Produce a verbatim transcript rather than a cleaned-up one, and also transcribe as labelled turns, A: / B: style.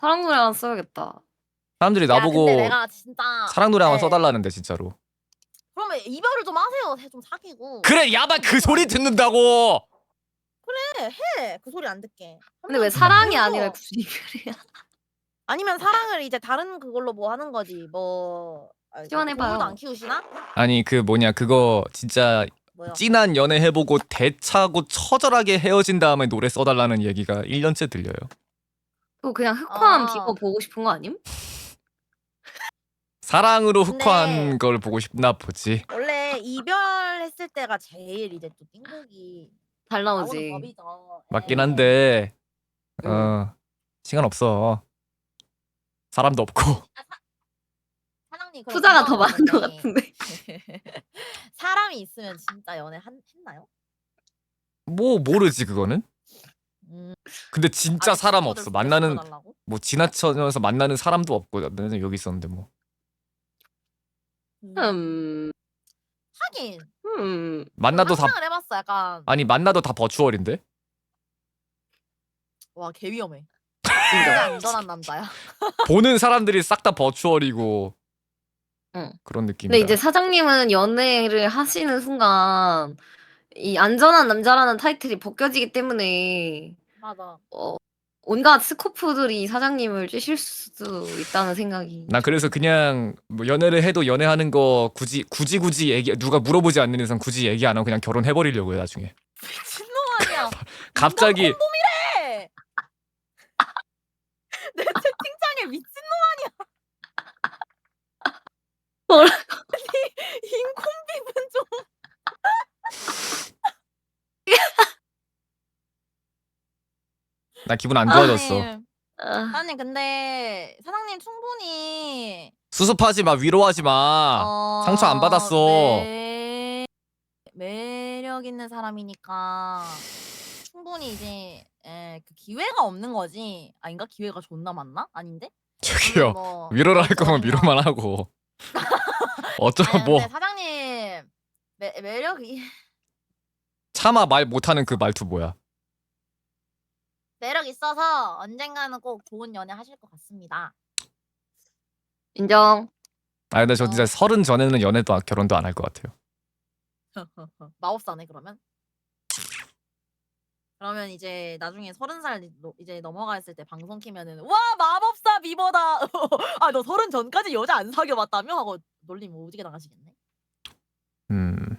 A: 사랑 노래 하나 써야겠다.
B: 사람들이
C: 야, 근데
B: 나보고
C: 내가 진짜
B: 사랑 노래 한번
C: 네.
B: 써달라는데 진짜로.
C: 그러면 이별을 좀 하세요. 좀 사귀고.
B: 그래 야발 그 소리 듣는다고.
C: 그래 해. 그 소리 안 듣게.
A: 근데 왜
C: 한번
A: 사랑이
C: 해줘.
A: 아니라 무슨 이별이야?
C: 아니면 사랑을 이제 다른 그걸로 뭐 하는 거지. 뭐 아,
A: 시원해봐요.
C: 동물도 안 키우시나?
B: 아니 그 뭐냐 그거 진짜
C: 뭐요?
B: 찐한 연애 해보고 대차고 처절하게 헤어진 다음에 노래 써달라는 얘기가 일 년째 들려요.
A: 그거 그냥 흑화한
C: 아.
A: 비버 보고 싶은 거 아님?
B: 사랑으로
C: 근데-
B: 흑화한 걸 보고 싶나 보지.
C: 원래 이별했을 때가 제일 이제 또 띵곡이
A: 잘
C: 나오는
A: 나오지.
C: 법이죠.
B: 맞긴
C: 예.
B: 한데
A: 음.
B: 어 시간 없어. 사람도 없고.
C: 사장님 그럼
A: 투자가 더
C: 궁금한
A: 많은 것
C: 건데
A: 같은데.
C: 사람이 있으면 진짜 연애 한, 했나요?
B: 뭐 모르지 그거는.
C: 음.
B: 근데 진짜
C: 아니,
B: 사람
C: 친구들
B: 없어.
C: 소개
B: 만나는
C: 시켜달라고?
B: 뭐 지나쳐서 만나는 사람도 없고 나는 여기 있었는데 뭐.
C: 음.
A: 음.
C: 하긴
A: 음.
B: 만나도 다
C: 상상을 해봤어 약간.
B: 아니 만나도 다 버추얼인데.
C: 와 개 위험해.
A: 진짜.
C: 진짜 안전한 남자야.
B: 보는 사람들이 싹 다 버추얼이고
A: 응.
B: 그런
A: 근데
B: 느낌이다.
A: 이제 사장님은 연애를 하시는 순간 이 안전한 남자라는 타이틀이 벗겨지기 때문에
C: 맞아.
A: 어, 온갖 스코프들이 사장님을 쬐실 수도 있다는 생각이.
B: 나 그래서 그냥 뭐 연애를 해도 연애하는 거 굳이 굳이 굳이 얘기 누가 물어보지 않는 이상 굳이 얘기 안 하고 그냥 결혼해 버리려고요 나중에.
C: 미친놈 아니야.
B: 갑자기
C: 콘돔이래. 내 채팅창에 미친놈
A: 뭐라?
C: 인콤비는 좀.
B: 나 기분 안 좋아졌어.
C: 사장님,
A: 아,
C: 사장님 근데 사장님 충분히
B: 수습하지 마 위로하지 마.
C: 어,
B: 상처 안 받았어.
C: 매... 매력 있는 사람이니까 충분히 이제 에, 그 기회가 없는 거지. 아닌가? 기회가 존나 많나? 아닌데?
B: 저기요
C: 뭐
B: 위로를 할 거면
C: 어쩌든가.
B: 위로만 하고. 어쩌
C: 아니,
B: 뭐
C: 근데 사장님 매, 매력이
B: 차마 말 못하는 그 말투 뭐야?
C: 매력 있어서 언젠가는 꼭 좋은 연애 하실 것 같습니다.
A: 인정.
B: 아 근데 저
C: 어.
B: 진짜 서른 전에는 연애도 안- 결혼도 안 할 것 같아요.
C: 마법사네 그러면. 그러면 이제 나중에 서른 살 이제 넘어갔을 때 방송 키면은 와 마법사 비버다. 아 너 서른 전까지 여자 안 사귀어봤다며 하고 놀림 오지게 나가시겠네.
B: 음